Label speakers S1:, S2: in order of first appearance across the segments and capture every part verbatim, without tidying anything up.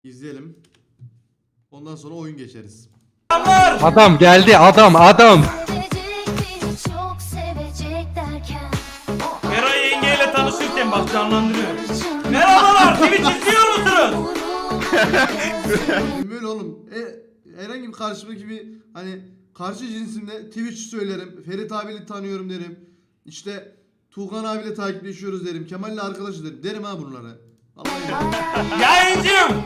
S1: İzleyelim. Ondan sonra oyun geçeriz.
S2: Adam geldi, adam adam.
S3: Eray yengeyle tanışırken bak canlandırıyor. Merhabalar, Twitch izliyor musunuz?
S1: Böyle oğlum. E, herhangi bir karşımdaki bir hani karşı cinsimle Twitch söylerim. Ferit abiyle tanıyorum derim. İşte Tuğkan abiyle takipleşiyoruz derim. Kemal'le arkadaş derim. Derim ha bunları. Vallahi.
S3: Yayıncıyım.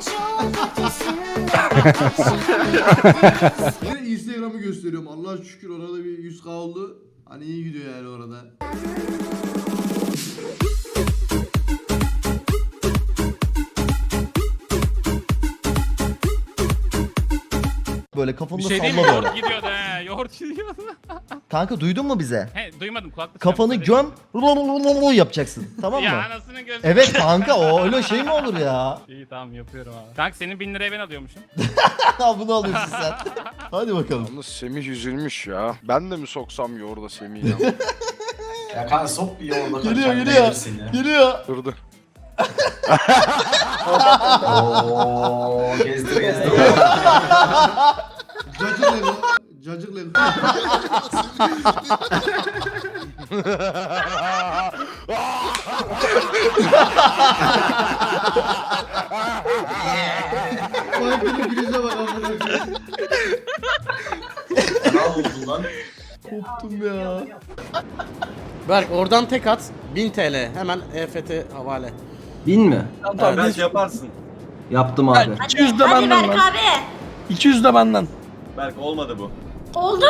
S1: Yine Instagram'ı gösteriyorum. Allah'a şükür orada bir yüz K oldu. Hani iyi gidiyor yani orada.
S4: Böyle kafamda
S5: Bir şey değil mi?
S4: salla böyle.
S5: Yoğurt gidiyordu he. Yoğurt gidiyordu.
S4: Kanka duydun mu bize?
S5: He duymadım kulaklık.
S4: Kafanı
S5: yaptı.
S4: göm yapacaksın. Tamam mı?
S5: Ya anasının gözü.
S4: Evet kanka o öyle şey mi olur ya?
S5: İyi tamam yapıyorum abi. Kanka senin bin liraya ben alıyormuşum.
S4: Bunu alıyorsun sen. Hadi bakalım.
S6: Yalnız Semih üzülmüş ya. Ben de mi soksam yoğurda Semih'i ya?
S7: Ya kanka sok bir yoğurda.
S4: Geliyor geliyor. Geliyor.
S6: Dur dur.
S7: Ooo gezdir gezdir.
S1: Cacık level. Cacık level. Farklı gülüşe bak amına koyayım.
S7: Ne oldu lan?
S4: Koptum ya.
S8: Berk oradan tek at bin T L hemen E F T havale.
S9: Bin mi?
S8: Tamam,
S3: Belki yaparsın.
S9: Yaptım abi.
S8: iki yüz de benden lan.
S10: Berk abi.
S8: iki yüz de benden.
S3: Berk olmadı bu.
S10: Oldu.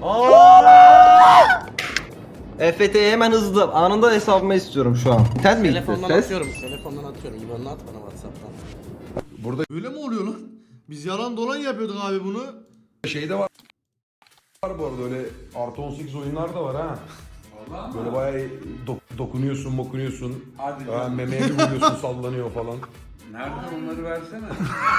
S9: E F T'yi hemen hızlı anında hesabıma istiyorum şu an. Test mi gitti?
S8: Telefondan
S9: Test.
S8: atıyorum. Telefondan atıyorum. İban'ını at bana WhatsApp'tan.
S1: Böyle mi oluyor lan? Biz yalan dolan yapıyorduk abi bunu.
S11: Şey de var. Var bu arada öyle artı on sekiz oyunlar da var ha. Böyle bayağı dok- dokunuyorsun, mokunuyorsun. Ha, memeye bir vuruyorsun, sallanıyor falan.
S7: Nerede onları versene.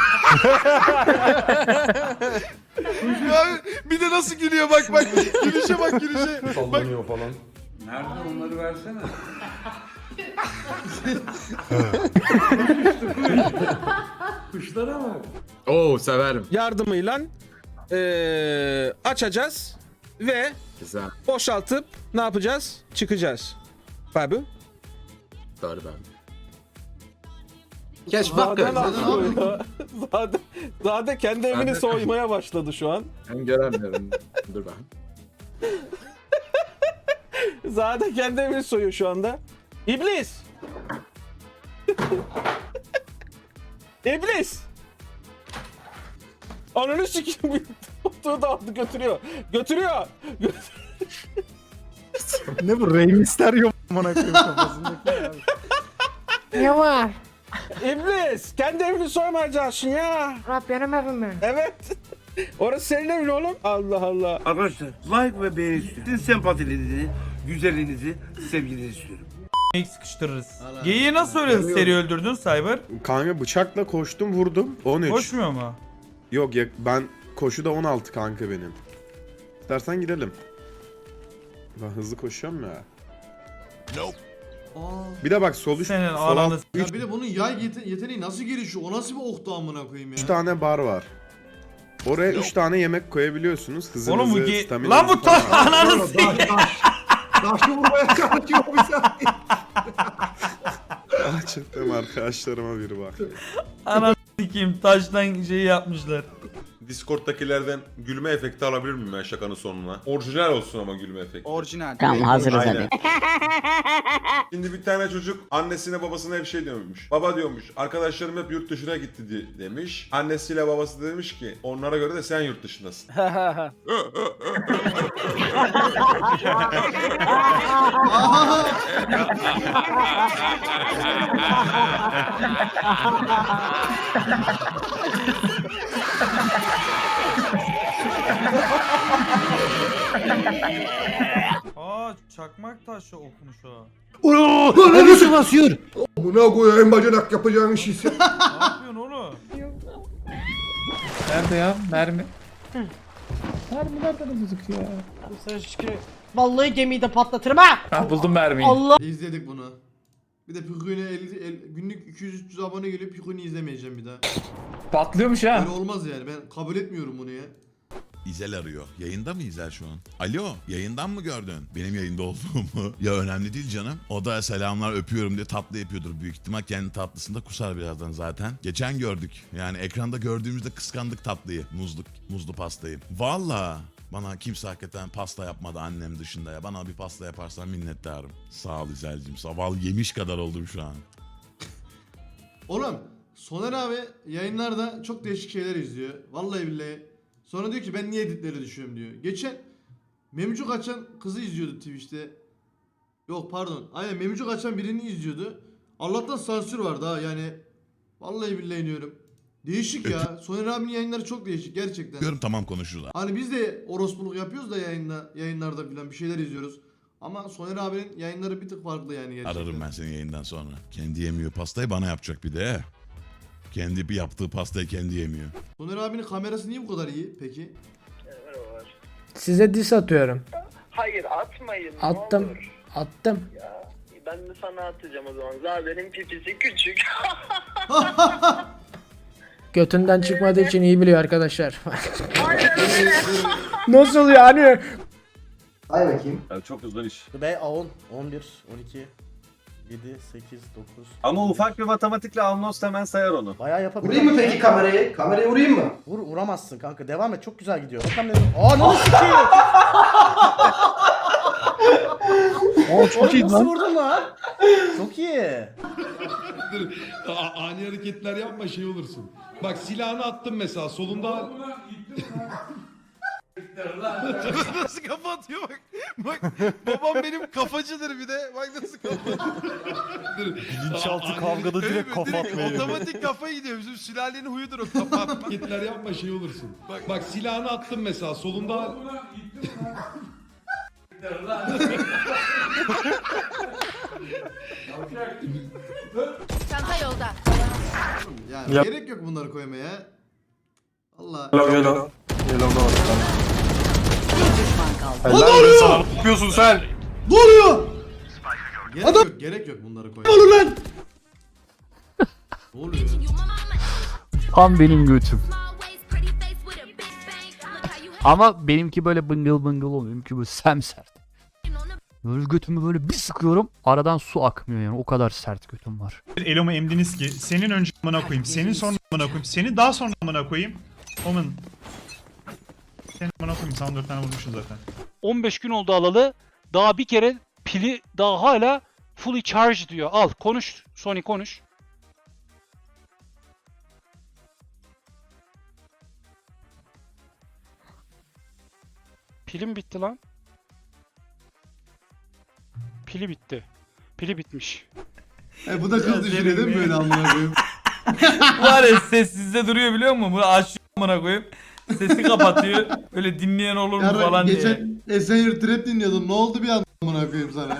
S6: Bir de nasıl gülüyor bak bak. Gülüşe bak gülüşe.
S11: Sallanıyor falan.
S7: Nerede onları versene. Kuşlara bak.
S2: Oo severim.
S8: Yardımıyla eee açacağız ve
S2: Güzel.
S8: boşaltıp ne yapacağız? Çıkacağız. Babu.
S2: Doğru ben.
S9: Geç
S8: Zade ne yapıyor ya? Zade, Zade kendi evini soymaya başladı şu an.
S2: Ben göremiyorum. Dur ben.
S8: Zade kendi evini soyuyor şu anda. İblis! İblis! Ananı sikeyim. Otuğu da aldı götürüyor. Götürüyor.
S2: Ne bu? Rey Mysterio bana koyayım kafasındaki abi.
S10: Ne var?
S8: İblis! Kendi evini soymayacaksın ya.
S10: Rab benim evim mi?
S8: Evet. Orası senin evin oğlum. Allah Allah.
S7: Arkadaşlar like ve beğeni istiyorum. Sizin sempatilerinizi, güzelliğinizi, sevginizi istiyorum.
S3: Sıkıştırırız. Geyiği nasıl öyle seri öldürdün Cyber?
S11: Kanka bıçakla koştum vurdum. on üç.
S3: Koşmuyor mu?
S11: Yok ya ben koşuda on altı kanka benim. İstersen gidelim. Ben hızlı koşuyorum ya.
S1: Aa.
S11: Bir de bak sol üst,
S3: Senin
S11: sol alt
S3: ananı
S1: Ya bir de bunun yay yete- yeteneği nasıl gelişiyor? O nasıl bir oktu amına koyayım ya?
S11: üç tane bar var. Oraya üç tane yemek koyabiliyorsunuz. Hızınızı,
S3: Oğlum bu ge...
S11: staminanızı
S3: Lan bu
S11: falan.
S3: ta ananı sikeyim.
S11: Taşı vurmaya kalkıyor bir saniye. Ah çıktım arkadaşlarıma biri bak.
S3: Ananı sikeyim taştan şey yapmışlar.
S6: Discord'dakilerden gülme efekti alabilir miyim ben şakanın sonuna? Orijinal olsun ama gülme efekti.
S8: Orijinal.
S10: Tamam hazırız
S6: Aynen.
S10: hadi.
S6: Şimdi bir tane çocuk annesine babasına hep şey diyormuş. Baba diyormuş arkadaşlarım hep yurt dışına gitti di- demiş. Annesiyle babası da demiş ki onlara göre de sen yurt dışındasın.
S3: Aa çakmak taşı okumuş o.
S2: Neresi basıyor?
S11: Buna koyayım bacanak yapacağın işi.
S3: Ne yapıyorsun oğlum?
S2: Nerede ya? Mermi.
S8: Vallahi gemiyi de patlatırım ha.
S2: Ha buldum mermiyi.
S8: Allah.
S1: İzledik bunu. Bir de Pikuni'ye elli- el- günlük iki yüz üç yüz abone geliyor. Pikuni izlemeyeceğim bir daha.
S3: Patlıyormuş ha.
S1: Böyle olmaz yani. Ben kabul etmiyorum bunu ya.
S12: İzel arıyor. Yayında mı İzel şu an? Alo, yayından mı gördün? Benim yayında olduğumu. Ya önemli değil canım. O da selamlar öpüyorum diye tatlı yapıyordur büyük ihtimal. Kendi tatlısında kusar birazdan zaten. Geçen gördük. Yani ekranda gördüğümüzde kıskandık tatlıyı. Muzlu, muzlu pastayı. Valla. Bana kimse hakikaten pasta yapmadı annem dışında ya. Bana bir pasta yaparsan minnettarım. Sağ ol İzel'cim. Sabah yemiş kadar oldum şu an.
S1: Oğlum Soner abi yayınlarda çok değişik şeyler izliyor. Vallahi billahi. Sonra diyor ki ben niye editleri düşüyorum diyor. Geçen Memcuk açan kızı izliyordu Twitch'te. Yok pardon. Aynen Memcuk açan birini izliyordu. Allah'tan sansür vardı ha yani. Vallahi billahi diyorum. Değişik ya. Soner abinin yayınları çok değişik gerçekten.
S12: Diyorum tamam konuşurlar.
S1: Hani biz de orospuluk yapıyoruz da yayında, yayınlarda falan bir şeyler izliyoruz. Ama Soner abinin yayınları bir tık farklı yani gerçekten.
S12: Ararım ben seni yayından sonra. Kendi yemiyor pastayı bana yapacak bir de. Kendi bir yaptığı pastayı kendi yemiyor.
S1: Soner abinin kamerası niye bu kadar iyi peki?
S10: Size diss atıyorum.
S7: Hayır atmayın.
S10: Attım. Attım.
S7: Ben de sana atacağım o zaman. Zade'nin pipisi küçük.
S10: Götünden çıkmadığı için iyi biliyor arkadaşlar. Nasıl yani?
S9: Hay bakayım.
S8: Çok hızlı iş.
S2: B on, on bir, on iki, yedi, sekiz, dokuz.
S8: Ama ufak bir matematikle Anlos hemen sayar onu.
S2: Bayağı yapabilir.
S9: Vurayım mı peki kamerayı? Kamerayı vurayım mı?
S2: Vur, vuramazsın kanka. Devam et. Çok güzel gidiyor. Bakalım ne? Aa ne sikeyim? Oo çok iyi lan. Nasıl vurdun lan? Çok iyi.
S11: Ani hareketler yapma şey olursun. Bak silahını attım mesela solunda.
S2: Nasıl kafa atıyor bak. Bak babam benim kafacıdır bir de. Bak nasıl kafa
S11: Bilinçaltı kavgada direkt kafa atmaya.
S2: Otomatik kafa gidiyor. Bizim sülalenin huyudur o kafa atma.
S11: Hareketler yapma şey olursun. Bak, bak silahını attım mesela solunda.
S10: Çanta yolda.
S1: Yani gerek yok bunları koymaya. Allah.
S8: Hello.
S1: Ne oluyor?
S8: Ne yapıyorsun sen?
S1: Ne oluyor? Gerek yok, gerek yok bunları koymaya. Ne oluyor lan? Ne oluyor?
S5: Tam benim götüm. Ama benimki böyle bıngıl bıngıl olmuyor. Benimki böyle semsert. Böyle götümü böyle bir sıkıyorum. Aradan su akmıyor yani. O kadar sert götüm var.
S3: Elomu emdiniz ki senin önce amına koyayım, senin sonra amına koyayım, senin daha sonra amına koyayım. Omen. Senin amına koyayım, sana dört tane vurmuşsun zaten.
S5: on beş gün oldu alalı. Daha bir kere pili daha hala fully charge diyor. Al konuş Sony konuş. Pilim bitti lan. Pili bitti. Pili bitmiş.
S1: E, bu da kız düşünüyor değil mi böyle amına koyayım?
S3: Var ya sessizde duruyor biliyor musun? Bunu açıyor amına koyayım. Sesi kapatıyor. Öyle dinleyen olur mu
S1: Yarın
S3: falan diye.
S1: geçen Esenyurt Trap dinliyordum. Ne oldu bir anda amına koyayım sana?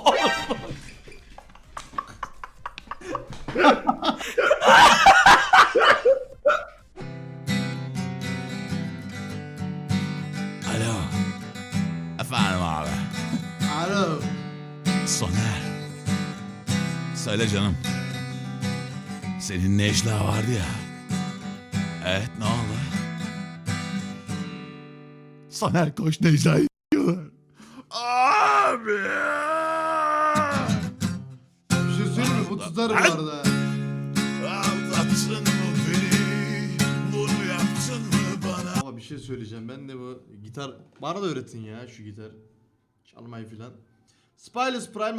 S12: Alo. Efendim abi.
S1: Alo.
S12: Soner. Söyle canım. Senin Necla vardı ya. Evet ne oldu? Soner koş Necla'yı yiyorlar. Abi.
S1: Bir şey söyleyeyim mi? Bu tutar bu arada.
S12: Anlattın mı beni? Bunu yaptın mı bana?
S1: Ama bir şey söyleyeceğim. Ben de bu gitar... Bana da öğretin ya şu gitar. Çalmayı filan. Spyless Prime